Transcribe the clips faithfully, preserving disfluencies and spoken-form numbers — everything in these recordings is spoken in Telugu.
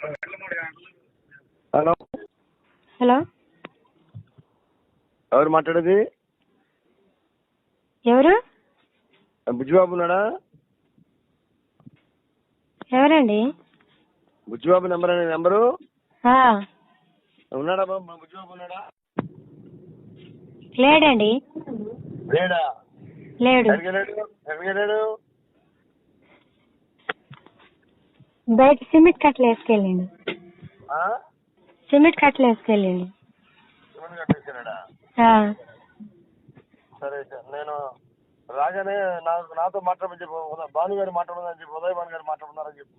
హలో హలో ఎవరు మాట్లాడేది? ఎవరు? బుజ్జిబాబు ఉన్నాడా? ఎవరండి? బుజ్జిబాబు నెంబర్ అనే నెంబరు ఆ, ఉన్నాడా బాబు? బుజ్జిబాబు ఉన్నాడా? లేడండి. లేడా? లేడు. ఎక్కడికి వెళ్ళాడు? ఎక్కడికి వెళ్ళాడు? బయట సిమెంట్ కట్టలు వేసుకెళ్ళండి. ఆ? సిమెంట్ కట్టలు వేసుకెళ్ళండి. శివన్ కట్టేసాడా? సరే సార్, నేను రాగానే నాకు నాతో మాట్లాడమని చెప్పు. ఉదయ్ భాను గారు మాట్లాడమని చెప్పి, ఉదయ్ భాను గారు మాట్లాడుతున్నారని చెప్పు.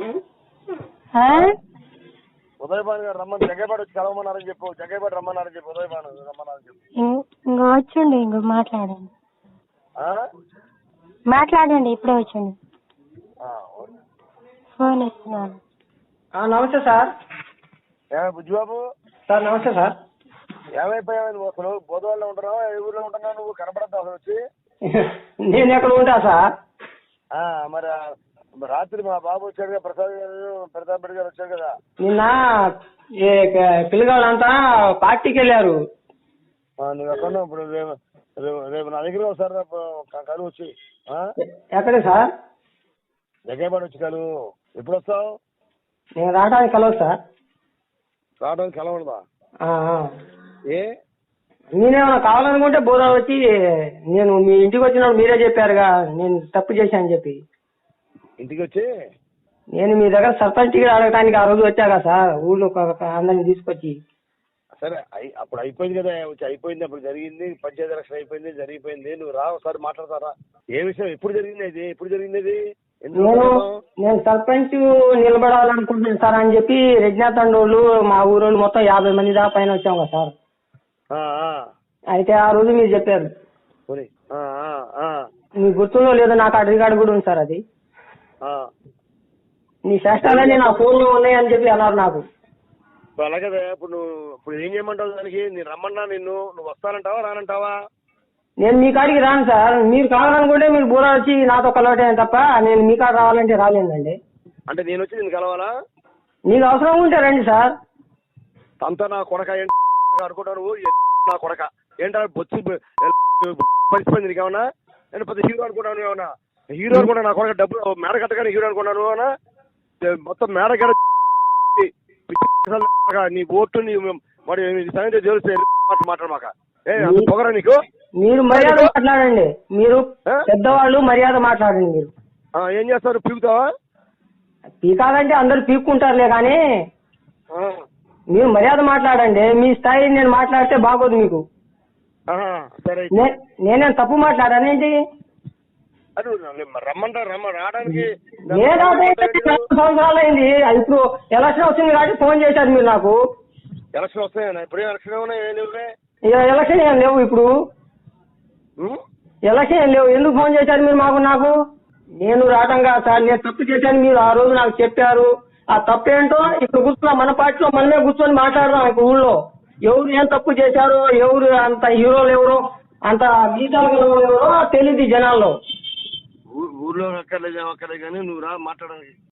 ఉదయ్ భాను గారు రమ్మని జగ్గేపాటి వచ్చి కలవమన్నారని చెప్పు. జగ్గేపాటి రమ్మన్నారని చెప్పు. ఉదయ్ భాను రమ్మన్నారని చెప్పు. ఇంకో వచ్చండి, ఇంకో మాట్లాడండి. ఆ? మాట్లాడండి, ఇప్పుడే వచ్చండి. ఆ, ఓకే. ఫోన్ ఇస్తున్నాను. నమస్తే సార్. ఏమే బుజ్జిబాబు? సార్ నమస్తే సార్. ఏమైపోయావు నువ్వు? అసలు బోధవాళ్ళలో ఉంటున్నావా? ఏ ఊర్లో ఉంటున్నావు నువ్వు? కనపడద్దు అసలు వచ్చి. నేను ఎక్కడ ఉంటా సార్? ఆ, మరి రాత్రి మా బాబు వచ్చాడు కదా, ప్రసాద్ గారు, ప్రతాప్ రెడ్డి గారు వచ్చారు కదా. నిన్న పిల్లగాళ్ళంతా పార్టీకి వెళ్ళారు. నువ్వు ఎక్కడ ఇప్పుడు? రేపు రేపు నా దగ్గర ఒకసారి కలువు వచ్చి. ఎక్కడ సార్? జగ్గేపాటి వచ్చి కలువు. ఎప్పుడు వస్తావు? నేను రావడానికి కలవదు సార్. రావడానికి కలవడదా? ఏ నేనేమన్నా కావాలనుకుంటే బోధ వచ్చి, నేను మీ ఇంటికి వచ్చినప్పుడు మీరే చెప్పారుగా నేను తప్పు చేశాను చెప్పి. ఇంటికి వచ్చి నేను మీ దగ్గర సర్పంచ్ టికెట్ అడగడానికి ఆ రోజు వచ్చాగా సార్, ఊళ్ళో అందరిని తీసుకొచ్చి. సరే, అప్పుడు అయిపోయింది కదా, వచ్చి అయిపోయింది. అప్పుడు జరిగింది, పంచాయతీ ఎలక్షన్ అయిపోయింది, జరిగిపోయింది. నువ్వు రా ఒకసారి మాట్లాడతారా? ఏ విషయం? ఎప్పుడు జరిగింది ఇది? ఎప్పుడు జరిగింది ఇది? నేను నేను సర్పంచ్ నిలబడాలనుకుంటున్నాను సార్ అని చెప్పి రెడ్నాథండోళ్ళు మా ఊరోళ్ళు మొత్తం యాభై మంది దాకా పైన వచ్చాం కదా సార్. అయితే ఆ రోజు మీరు చెప్పారు. మీకు గుర్తుందో లేదో నాకు ఆ రికార్డు కూడా ఉంది సార్. అది నీ శాస్త్రాలన్నీ నా ఫోన్ లో ఉన్నాయని చెప్పి అన్నారు నాకు. అలాగే ఇప్పుడు నువ్వు ఇప్పుడు ఏం చేయమంటావు దానికి? నేను రమ్మన్నా నిన్ను, నువ్వు వస్తానంటావా రానంటావా? నేను మీ కాడికి రాను సార్. మీరు కావాలనుకుంటే మీరు బూర వచ్చి నాతో కలవటే తప్ప నేను మీ కాడ రావాలంటే రాలేదండి. అంటే నేను వచ్చి నేను కలవాలా? నీకు అవసరం ఉంటే రండి సార్. అంతా నా కొడక అనుకుంటా నువ్వు. నా కొడక ఏంటా బొచ్చి పరిస్థితి నీకేమన్నా? నేను పెద్ద హీరో అనుకుంటాను ఏమన్నా? హీరో అనుకున్నా నా కొడక డబ్బులు మేడ కట్టగానే హీరో అనుకున్నాను అన్నా. మొత్తం మేడ కట్ట నీ ఓటు నీ మరి సంగతి తెలిస్తే మాట్లాడమాక. ఏ పొగరా నీకు? మీరు మర్యాద మాట్లాడండి. మీరు పెద్దవాళ్ళు మర్యాద మాట్లాడండి. మీరు ఏం చేస్తారు? పీకుతావా? పీకాలంటే అందరు పీక్కుంటారులే కానీ మీరు మర్యాద మాట్లాడండి. మీ స్థాయి నేను మాట్లాడితే బాగోదు మీకు. సరే, నేనేం తప్పు మాట్లాడానేంటి? రమ్మంటారు రమ్మ రావడానికి సంవత్సరాలు అయింది. ఇప్పుడు ఎలక్షన్ వచ్చింది కాబట్టి ఫోన్ చేశారు మీరు నాకు. ఎలక్షన్ వస్తాయన్నా? ఇప్పుడు ఎలక్షన్ ఏమన్నా? ఎలక్షన్ ఏం లేవు ఇప్పుడు. ఎలక్షన్ ఏం లేవు. ఎందుకు ఫోన్ చేశారు మీరు మాకు? నాకు నేను రావటం కాదు సార్. నేను తప్పు చేశాను, మీరు ఆ రోజు నాకు చెప్పారు. ఆ తప్పు ఏంటో ఇప్పుడు కూర్చున్నా మన పార్టీలో మనమే కూర్చొని మాట్లాడదాం. ఇప్పుడు ఊళ్ళో ఎవరు ఏం తప్పు చేశారో, ఎవరు అంత హీరోలు ఎవరో, అంత గీతాలు ఎవరో తెలియదు జనాల్లో. ఊర్లో అక్కర్లేదు అక్కర్లేదు కానీ నువ్వు రా మాట్లాడడానికి.